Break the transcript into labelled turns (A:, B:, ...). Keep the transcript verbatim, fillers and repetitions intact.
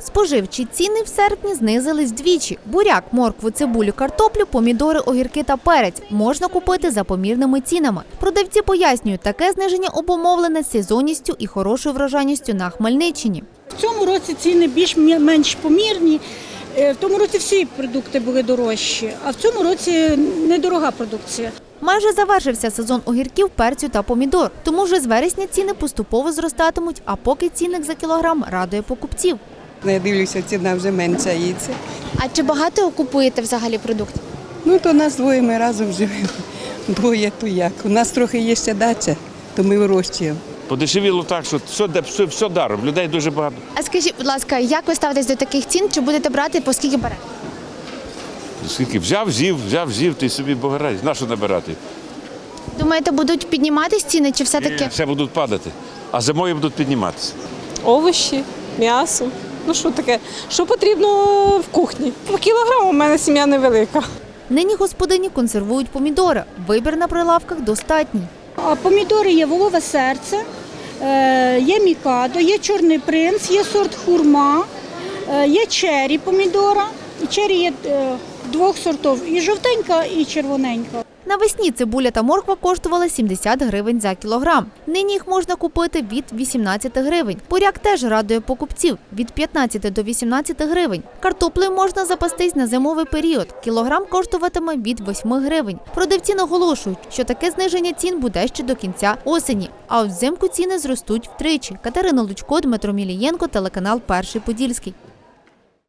A: Споживчі ціни в серпні знизились вдвічі. Буряк, моркву, цибулю, картоплю, помідори, огірки та перець можна купити за помірними цінами. Продавці пояснюють, таке зниження обумовлене сезонністю і хорошою врожайністю на Хмельниччині.
B: В цьому році ціни більш-менш помірні. В тому році всі продукти були дорожчі, а в цьому році недорога продукція.
A: Майже завершився сезон огірків, перцю та помідор, тому вже з вересня ціни поступово зростатимуть, а поки цінник за кілограм радує покупців.
C: Я дивлюся, ціна вже меншається.
D: А чи багато купуєте взагалі продуктів?
C: Ну, то нас двоє, ми разом живемо. Двоє, то як. У нас трохи є ще дача, то ми вирощуємо.
E: Подешевіло так, що все, все, все даром, людей дуже багато.
D: А скажіть, будь ласка, як ви ставитесь до таких цін? Чи будете брати, по скільки берете?
E: Скільки взяв, з'їв, взяв, з'їв, ти собі богорай. На що набирати?
D: Думаєте, будуть підніматись ціни, чи все-таки?
E: Все будуть падати, а зимою будуть підніматися.
F: Овочі, м'ясо. Ну що таке, що потрібно в кухні? По кілограму у мене сім'я невелика.
A: Нині господині консервують помідори. Вибір на прилавках достатній.
B: А помідори є волове серце, є мікадо, є чорний принц, є сорт хурма, є чері помідора. Чері є двох сортів, і жовтенька, і червоненька.
A: Навесні цибуля та морква коштували сімдесят гривень за кілограм. Нині їх можна купити від вісімнадцяти гривень. Буряк теж радує покупців – від п'ятнадцяти до вісімнадцяти гривень. Картоплею можна запастись на зимовий період. Кілограм коштуватиме від восьми гривень. Продавці наголошують, що таке зниження цін буде ще до кінця осені. А от взимку ціни зростуть втричі. Катерина Лучко, Дмитро Мілієнко, телеканал «Перший Подільський».